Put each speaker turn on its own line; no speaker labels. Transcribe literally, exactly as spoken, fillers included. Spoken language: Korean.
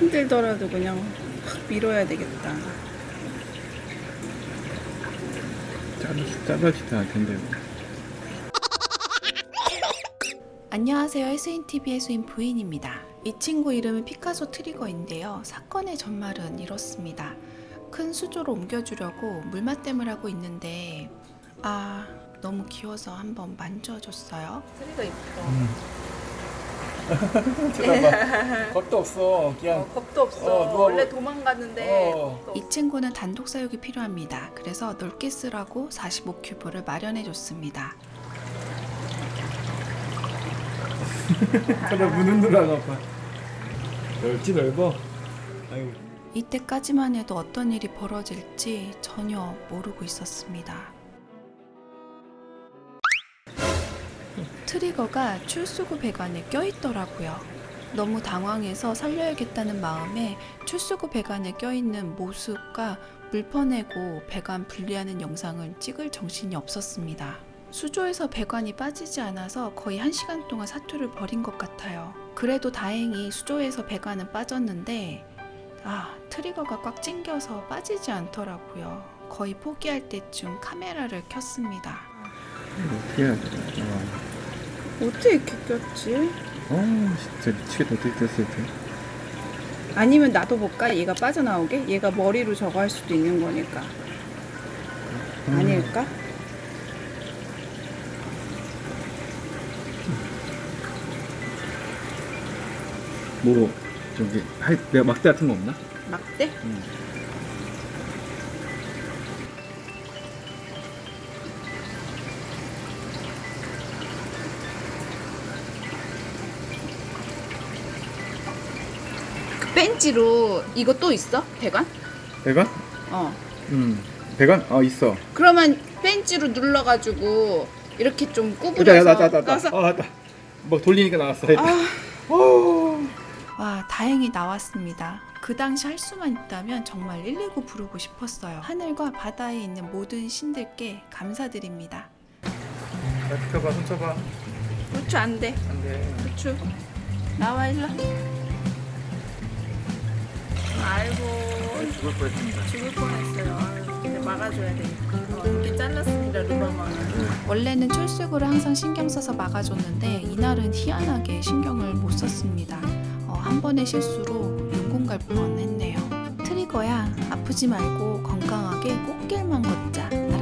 힘들더라도 그냥 확 밀어야 되겠다.
잘라, 잘라지도 않을 텐데.
안녕하세요. 해수인티비 해수인 부인입니다. 이 친구 이름은 피카소 트리거인데요. 사건의 전말은 이렇습니다. 큰 수조로 옮겨주려고 물맛댐을 하고 있는데 아 너무 귀여워서 한번 만져줬어요.
트리거 이쁘다.
음. 쳐다봐. 겁도 없어. 그냥.
어, 겁도 없어.
어, 누워-
원래 도망갔는데.
어.
겁도
이 친구는 단독 사육이 필요합니다. 그래서 넓게 쓰라고 사십오 큐브를 마련해줬습니다.
저다 무는 누나가 봐. 넓지 넓어. 아이고.
이때까지만 해도 어떤 일이 벌어질지 전혀 모르고 있었습니다. 트리거가 출수구 배관에 껴있더라고요. 너무 당황해서 살려야겠다는 마음에 출수구 배관에 껴있는 모습과 물 퍼내고 배관 분리하는 영상을 찍을 정신이 없었습니다. 수조에서 배관이 빠지지 않아서 거의 한 시간 동안 사투를 벌인 것 같아요. 그래도 다행히 수조에서 배관은 빠졌는데 아, 트리거가 꽉 찡겨서 빠지지 않더라고요. 거의 포기할 때쯤 카메라를 켰습니다.
어떻게 해야 돼?
어떻게 이렇게 꼈지?
어, 진짜 미치겠다. 어떻게 됐을 때?
아니면 놔둬볼까? 얘가 빠져나오게? 얘가 머리로 저거 할 수도 있는 거니까.
음.
아닐까?
뭐 저기 할 내가 막대 같은 거 없나?
막대?
응.
그 벤치로 이거 또 있어? 배관?
배관?
어.
응. 배관? 어 있어.
그러면 벤치로 눌러가지고 이렇게 좀
나,
구부려서
나, 나, 나, 나.
떠서
어, 나. 뭐 돌리니까 나왔어.
아,
어.
와, 다행히 나왔습니다. 그 당시 할 수만 있다면 정말 일일구 부르고 싶었어요. 하늘과 바다에 있는 모든 신들께 감사드립니다.
자, 비켜봐, 손 쳐봐.
부추 안 돼.
안 돼.
부추 나와 일로. 아이고
죽을 뻔했습니다.
죽을 뻔했어요. 아유, 근데 막아줘야 되니까. 어, 이렇게 잘랐습니다 루머만.
원래는 출수구를 항상 신경 써서 막아줬는데 이날은 희한하게 신경을 못 썼습니다. 어, 한 번의 실수로 눈공 갈 뻔했네요. 트리거야, 아프지 말고 건강하게 꽃길만 걷자.